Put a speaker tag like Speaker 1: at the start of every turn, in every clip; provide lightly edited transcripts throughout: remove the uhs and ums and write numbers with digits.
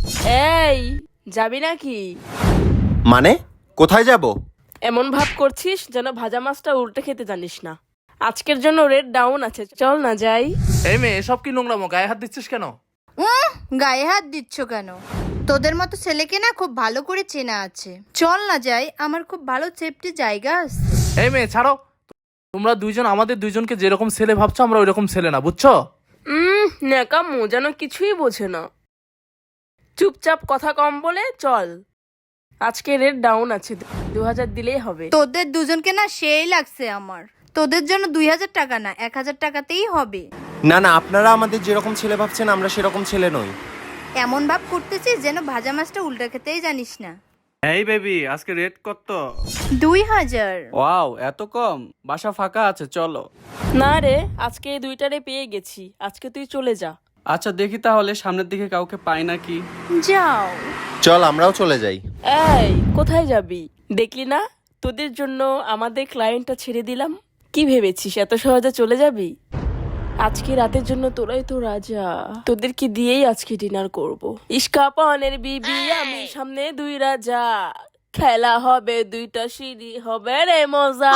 Speaker 1: এই যাবি নাকি?
Speaker 2: মানে কোথায় যাব?
Speaker 1: এমন ভাব করছিস যেন ভাজা মাছটা উল্টে খেতে জানিস না। আজকের জন্য রেট ডাউন আছে, চল না যাই।
Speaker 3: এই মেয়ে, এসব কি নোংরামো? গায়ে হাত দিচ্ছিস কেন?
Speaker 4: গায়ে হাত দিচ্ছ কেন? তোদের মতো ছেলেকে না খুব ভালো করে চেনা আছে। চল না যাই, আমার খুব ভালো সেফটি জায়গা আছে।
Speaker 3: এই মেয়ে ছাড়ো। তোমরা দুইজন আমাদের দুইজনকে যেরকম ছেলে ভাবছো আমরা ওই রকম ছেলে না, বুঝছো?
Speaker 1: ন্যাকামো যেন কিছুই বোঝে না। চুপচাপ কথা কম বলে চল। আজকে রেট ডাউন আছে, 2000 দিলেই হবে।
Speaker 4: তোদের দুজনকে না সেই লাগছে আমার। তোদের জন্য 2000 টাকা না 1000 টাকাতেই হবে।
Speaker 2: না না, আপনারা আমাদের যেরকম ছেলে ভাবছেন আমরা সেরকম ছেলে নই।
Speaker 4: এমন ভাব করতেছিস যেন ভাজা মাছটা উল্টা খেতেই জানিস না।
Speaker 5: এই বেবি, আজকে রেট কত?
Speaker 4: 2000।
Speaker 5: ওয়াও, এত কম? বাসা ফাঁকা আছে, চলো।
Speaker 1: না রে, আজকে এই দুইটারে পেয়ে গেছি, আজকে তুই চলে যা।
Speaker 5: আচ্ছা দেখি তাহলে সামনের দিকে কাউকে পাই নাকি।
Speaker 4: যাও।
Speaker 2: চল আমরাও চলে যাই।
Speaker 1: এই কোথায় যাবি? দেখলি না তোদের জন্য আমাদের ক্লায়েন্টটা ছেড়ে দিলাম। কি ভেবেছিস এত সহজে চলে যাবি? আজকে রাতের জন্য তোরাই তো রাজা, তোদেরকে দিয়েই আজকে ডিনার করব। ইস্কাপানের বিবি আমি, সামনে দুই রাজা, খেলা হবে দুইটা সিঁড়ি, হবে রে মজা।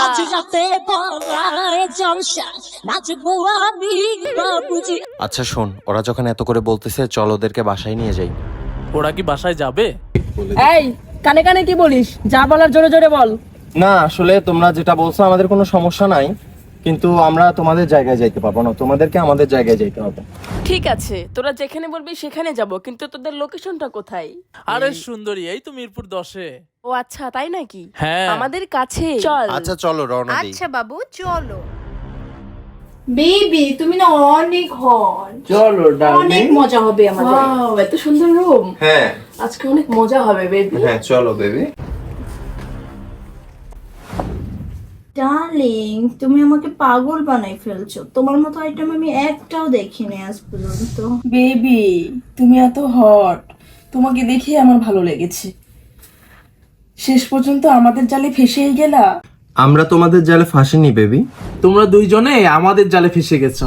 Speaker 2: আচ্ছা শোন, ওরা যখন এত করে বলতেছে চল ওদেরকে বাসায় নিয়ে যাই।
Speaker 3: ওরা কি বাসায় যাবে?
Speaker 1: এই কানে কানে কি বলিস? যা বলার জোরে জোরে বল।
Speaker 2: না আসলে তোমরা যেটা বলছো আমাদের কোনো সমস্যা নাই, কিন্তু আমরা তোমাদের জায়গায় যাইতে পারবো না, তোমাদেরকে আমাদের জায়গায় যাইতে হবে।
Speaker 1: ঠিক আছে, তোরা যেখানে বলবি সেখানে যাব, কিন্তু তোদের লোকেশনটা কোথায়?
Speaker 3: আরে সুন্দরী, এই তো মিরপুর 10-এ।
Speaker 1: ও আচ্ছা, তাই নাকি?
Speaker 3: হ্যাঁ।
Speaker 1: আমাদের কাছে চল।
Speaker 2: আচ্ছা চলো রওনা দিই।
Speaker 4: আচ্ছা বাবু চলো।
Speaker 6: বেবি তুমি না অনেক হট,
Speaker 5: চলো
Speaker 6: অনেক মজা হবে আমাদের।
Speaker 1: ওয়াও, এত সুন্দর রুম,
Speaker 2: হ্যাঁ
Speaker 1: আজকে অনেক মজা হবে বেবি।
Speaker 2: হ্যাঁ চলো বেবি।
Speaker 6: ডার্লিং তুমি আমাকে পাগল বানাই ফেলছো, তোমার মতো আইটেম আমি একটাও দেখিনি আজ পর্যন্ত। বেবি তুমি এত হট, তোমাকে দেখে আমার ভালো লেগেছে। শেষ পর্যন্ত আমাদের জালে ফেসেই গেলা।
Speaker 2: আমরা তোমাদের জালে ফাঁসিনি বেবি।
Speaker 3: তোমরা দুইজনে আমাদের জালে ফেসে গেছো।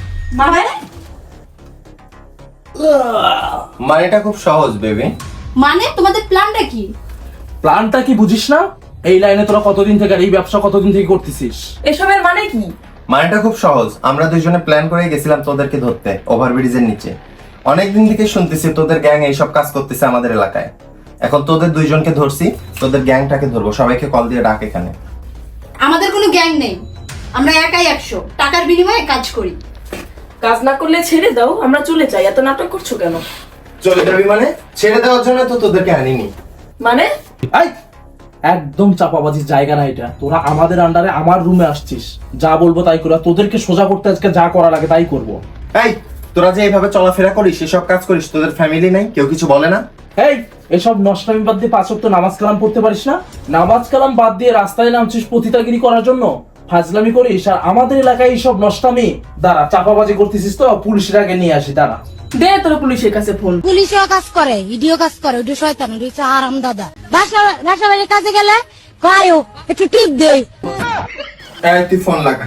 Speaker 2: মানেটা খুব সহজ বেবি।
Speaker 6: মানে তোমাদের প্ল্যানটা কি?
Speaker 3: প্ল্যানটা কি বুঝিস না? এই লাইনে তোরা কতদিন থেকে, আর এই ব্যবসা কতদিন থেকে করতেছিস?
Speaker 1: এসবের মানে কি?
Speaker 2: মানেটা খুব সহজ, আমরা দুইজনে প্ল্যান করে গেছিলাম তোদেরকে ধরতে ওভারব্রিজের নিচে। অনেকদিন থেকে শুনতেছি তোদের গ্যাং এইসব কাজ করতেছে আমাদের এলাকায়। এখন তোদের দুইজনকে ধরছি, তোদের গ্যাংটাকে ধরবো। সবাইকে কল দিয়ে ডাক এখানে।
Speaker 6: আমাদের কোনো গ্যাং নেই, আমরা একাই 100 টাকার বিনিময়ে কাজ করি।
Speaker 1: কাজ না করলে ছেড়ে দাও, আমরা চলে যাই। এত নাটক করছো কেন?
Speaker 2: চলে যাবি মানে? ছেড়ে দেওয়ার জন্য তো তোদেরকে আনিনি।
Speaker 1: মানে
Speaker 3: এই একদম চাপাবাজির জায়গা না এটা। তোরা আমাদের আন্ডারে আমার রুমে আসছিস, যা বলবো তাই করবো। তোদেরকে সোজা করতে আজকে যা করা লাগে তাই করবো।
Speaker 2: এই তোরা যে এইভাবে চলাফেরা করিস, এসব কাজ করিস, তোদের ফ্যামিলি নাই? কেউ কিছু বলে না?
Speaker 3: এই এসব নষ্টামি বাদ দিয়ে 5 ওয়াক্ত নামাজ কালাম পড়তে পারিস না? নামাজ কালাম বাদ দিয়ে রাস্তায় নামছিস পতিতাগিরি করার জন্য, ফাজলামি করিস। আর আমাদের এলাকায় এইসব নষ্টামি দাঁড়া চাপাবাজি করতেছিস তো, পুলিশের আগে নিয়ে আসি দাঁড়া।
Speaker 1: দে তোর পুলিশের কাছে ফোন।
Speaker 7: পুলিশও কাজ করে, ইডিও কাজ করে, ওটা শয়তান, ওটা হচ্ছে আরাম দাদা। বাসা বাড়ির কাজে গেলে কায়ও একটু টিপ দেই।
Speaker 2: এই তুই ফোন লাগা।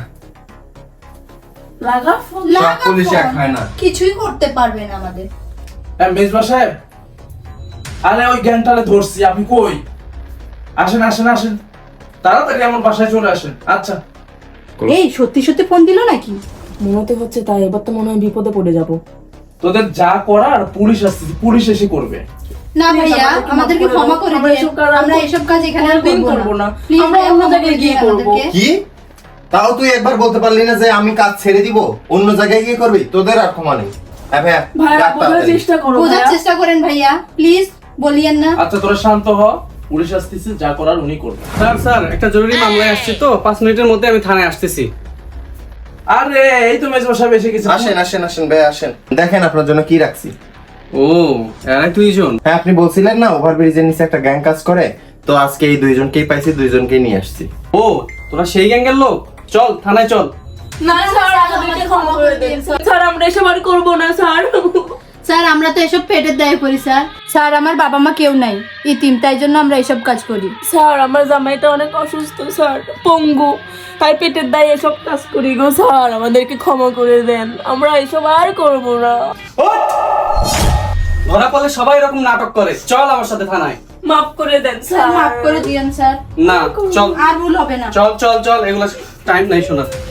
Speaker 1: লাগা ফোন।
Speaker 2: সব পুলিশ এক হয় না।
Speaker 6: কিছুই করতে পারবে না আমাদের।
Speaker 3: মেজবা সাহেব, আরে ওই গ্যাংটারে ধরছি, আপনি কই? আসেন আসেন আসেন, তাড়াতাড়ি আমার বাসায় চলে আসেন। আচ্ছা
Speaker 6: এই সত্যি সত্যি ফোন দিল নাকি?
Speaker 1: মনে তো হচ্ছে তাই, এবার তো মনে হয় বিপদে পড়ে যাব।
Speaker 3: তোদের যা করার পুলিশ আসছে, পুলিশ এসে করবে।
Speaker 6: না ভাইয়া, আমাদেরকে ক্ষমা করে দিন, আমরা এসব কাজ এখানে আর করব না। প্লিজ
Speaker 1: আমরা অন্য জায়গায় গিয়ে করব।
Speaker 2: কি? তাও তুই একবার বলতে পারলি না যে আমি কাজ ছেড়ে দিব, অন্য জায়গায় গিয়ে করবি? তোদের আর ক্ষমা নেই। হ্যাঁ ভাইয়া,
Speaker 1: ভাইয়া
Speaker 2: ডাক
Speaker 1: বোঝার
Speaker 2: তাড়াতাড়ি।
Speaker 1: চেষ্টা করো।
Speaker 6: বোঝার চেষ্টা করেন ভাইয়া, প্লিজ বলিয়েন না।
Speaker 3: আচ্ছা তোরা শান্ত হ, পুলিশ আসতেছে, যা করার উনি করবে।
Speaker 5: স্যার একটা জরুরি মামলায় আসছি তো, 5 মিনিটের মধ্যে আমি থানায় আসতেছি।
Speaker 3: আরে এই তো মেজবা সাহেব এসে গেছে।
Speaker 2: আসেন আসেন আসেন ভাই আসেন, দেখেন আপনার জন্য কি রাখছি।
Speaker 5: ও এরাই দুইজন?
Speaker 2: হ্যাঁ আপনি বলছিলেন না ওভারব্রিজের নিচে একটা গ্যাং কাজ করে, তো আজকে এই দুইজনকেই পাইছি, দুইজনকেই নিয়ে আসছি।
Speaker 5: ও তোরা সেই গ্যাংয়ের লোক? চল থানায় চল।
Speaker 1: না স্যার, আমাদেরকে ক্ষমা করে দিন স্যার, আমরা এসব আর করব না স্যার।
Speaker 6: স্যার আমরা তো এসব পেটের দায়ে করি স্যার। স্যার আমার বাবা মা কেউ নাই, ইতিম, তাই জন্য আমরা এসব কাজ করি।
Speaker 1: স্যার আমার জামাইটা অনেক অসুস্থ স্যার, পঙ্গু, তাই পেটের দায়ে এসব কাজ করি গো স্যার, আমাদেরকে ক্ষমা করে দেন, আমরা এসব আর করব না।
Speaker 5: ধরা পড়লে সবাই এরকম নাটক করে, চল আমার সাথে থানায়।
Speaker 1: মাফ করে দেন
Speaker 4: স্যার মাফ করে দিয়েন স্যার,
Speaker 5: না চল,
Speaker 4: আর ভুল হবে না।
Speaker 5: চল চল চল, এগুলো টাইম নাই শোনা।